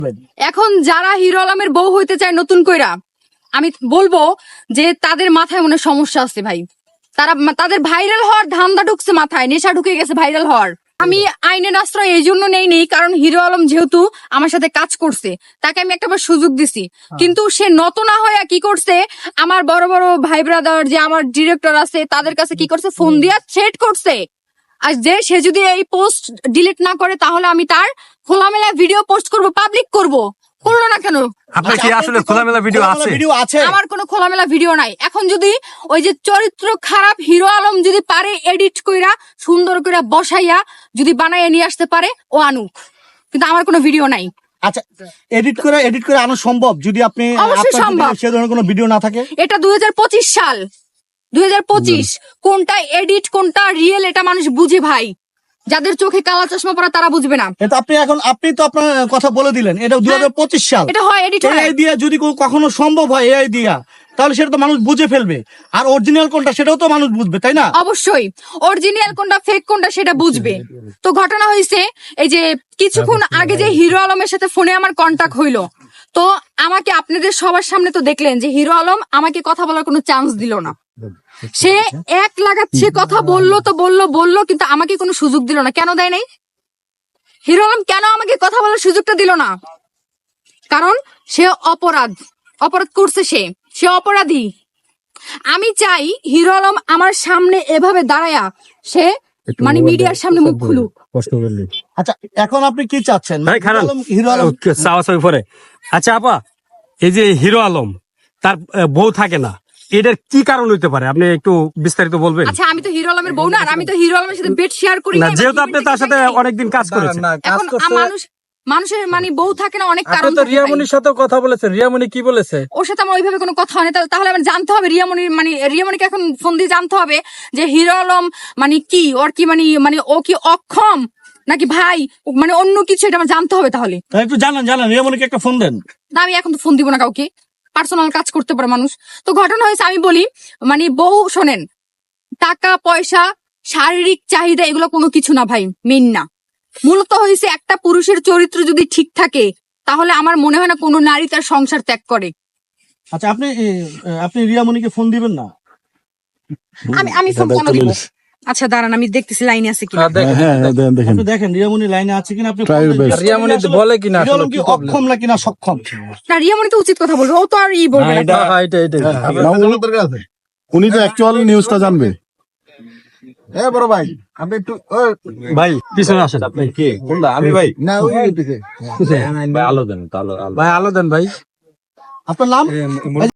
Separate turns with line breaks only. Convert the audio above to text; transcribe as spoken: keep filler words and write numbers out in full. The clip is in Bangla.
এখন যারা হিরো আলমের বউ হইতে চায় নতুন কইরা, আমি বলবো যে তাদের মাথায় মনে সমস্যা আছে ভাই। তারা তাদের ভাইরাল হওয়ার ধান্দা ঢুকছে মাথায়, নেশা ঢুকে গেছে ভাইরাল হওয়ার। আমি আইনের আশ্রয় এই জন্য নেই নেই কারণ হিরো আলম যেহেতু আমার সাথে কাজ করছে, তাকে আমি একটা সুযোগ দিছি। কিন্তু সে নত না হয়ে কি করছে, আমার বড় বড় ভাই ব্রাদার যে আমার ডিরেক্টর আছে তাদের কাছে কি করছে, ফোন দিয়া থ্রেট করছে। আর যে সে যদি এই পোস্ট ডিলিট না করে তাহলে আমি তার খোলামেলা ভিডিও পোস্ট করব, পাবলিক করব। করলো না কেন?
আপনার কি আসলে খোলামেলা ভিডিও আছে?
আমার কোনো খোলামেলা ভিডিও নাই। এখন যদি ওই যে চরিত্র খারাপ হিরো আলম যদি পারে এডিট কইরা সুন্দর করে বসাইয়া যদি বানাইয়া নিয়ে আসতে পারে, ও আনুক, কিন্তু আমার কোনো ভিডিও নাই।
আচ্ছা, এডিট করে এডিট করে আনো সম্ভব যদি আপনি
অবশ্যই সম্ভব।
সে ধরনের কোনো ভিডিও না থাকে?
এটা দুই হাজার পঁচিশ সাল, দুই হাজার পঁচিশ কোনটা এডিট কোনটা রিয়েল এটা মানুষ বুঝে ভাই। যাদের চোখে কালা চশমা পরা তারা বুঝবে না।
এটা আপনি এখন আপনি তো আপনার কথা বলে দিলেন, এটা দুই হাজার পঁচিশ সাল।
এটা হয় এডিট হয়।
এআই দিয়ে যদি কখনো সম্ভব হয় এআই দিয়া, তাহলে সেটা তো মানুষ বুঝে ফেলবে। আর অরিজিনাল কোনটা সেটাও তো মানুষ বুঝবে, তাই না?
অবশ্যই অরিজিনাল কোনটা ফেক কোনটা সেটা বুঝবে। তো ঘটনা হয়েছে এই যে কিছুক্ষণ আগে যে হিরো আলমের সাথে ফোনে আমার কন্টাক্ট হইলো, তো আমাকে আপনাদের সবার সামনে তো দেখলেন যে হিরো আলম আমাকে কথা বলার কোনো চান্স দিল না। সে এক লাগাচ্ছে কথা বললো তো বললো বললো কিন্তু আমাকে কোনো সুযোগ দিল না। কেন দেয় নাই? হিরো আলম কেন আমাকে কথা বলার সুযোগটা দিল না? কারণ সে অপরাধ অপরাধ করছে, সে সে অপরাধী। আমি চাই হিরো আলম আমার সামনে এভাবে দাঁড়ায়া সে মানে মিডিয়ার সামনে মুখ খুলুক।
আচ্ছা, এখন আপনি কি চাচ্ছেন?
ভাই খারাপ
হিরো আলম
পরে। আচ্ছা আপা, এই যে হিরো আলম তার বউ থাকে না, এটার কি কারণ হইতে পারে আপনি একটু বিস্তারিত বলবেন?
আচ্ছা, আমি তো হিরো আলমের বউ না, আর আমি তো হিরো আলমের সাথে বেড শেয়ার করি
না, যেহেতু আপনি তার সাথে অনেকদিন কাজ করেছেন।
এখন মানুষ মানুষের মানে বউ থাকে না, অনেক কারণ।
তো রিয়ামনির সাথেও কথা বলেছেন, রিয়ামনি কি বলেছে?
ওর সাথে আমার ওইভাবে কোনো কথা হয়নি। তাহলে আমার জানতে হবে রিয়ামনির মানে রিয়ামনিকে এখন ফোন দিয়ে জানতে হবে যে হিরো আলম মানে কি, ওর কি মানে মানে ও কি অক্ষম নাকি ভাই মানে অন্য কিছু, এটা আমার জানতে হবে। তাহলে
একটু জানান জানান রিয়ামনিকে একটা ফোন দেন।
না, আমি এখন তো ফোন দিব না কাউকে, পার্সোনাল কাজ করতে পারে মানুষ। তো ঘটনা হয়েছে আমি বলি মানে বউ শোনেন, টাকা পয়সা শারীরিক চাহিদা এগুলো কোনো কিছু না ভাই, মেন না। মূলত হয়েছে একটা পুরুষের চরিত্র যদি ঠিক থাকে তাহলে আমার মনে হয় না কোনো নারী তার সংসার ত্যাগ করে।
আচ্ছা, আপনি আপনি রিয়ামনিকে ফোন দিবেন না?
আমি আমি ফোন কেন দিব? আচ্ছা দাঁড়ান, আমি দেখতেছি লাইনে আছে কিনা।
আপনি দেখেন রিয়ামনি লাইনে আছে কিনা। আপনি
রিয়ামনি বলে কিনা
আসলে কি অক্ষম নাকি না সক্ষম?
না, রিয়ামনি তো উচিত কথা বলবে, ও তো আর ই বলবে না।
উনি তো অ্যাকচুয়াল নিউজটা জানবে।
এ বড় ভাই, আপনি একটু
ভাই পিছনে আসেন।
আপনি কে কোনটা? আমি ভাই
না, ওই পিছে
ভাই আলো দেন, আলো
ভাই আলো দেন ভাই।
আপনার নাম?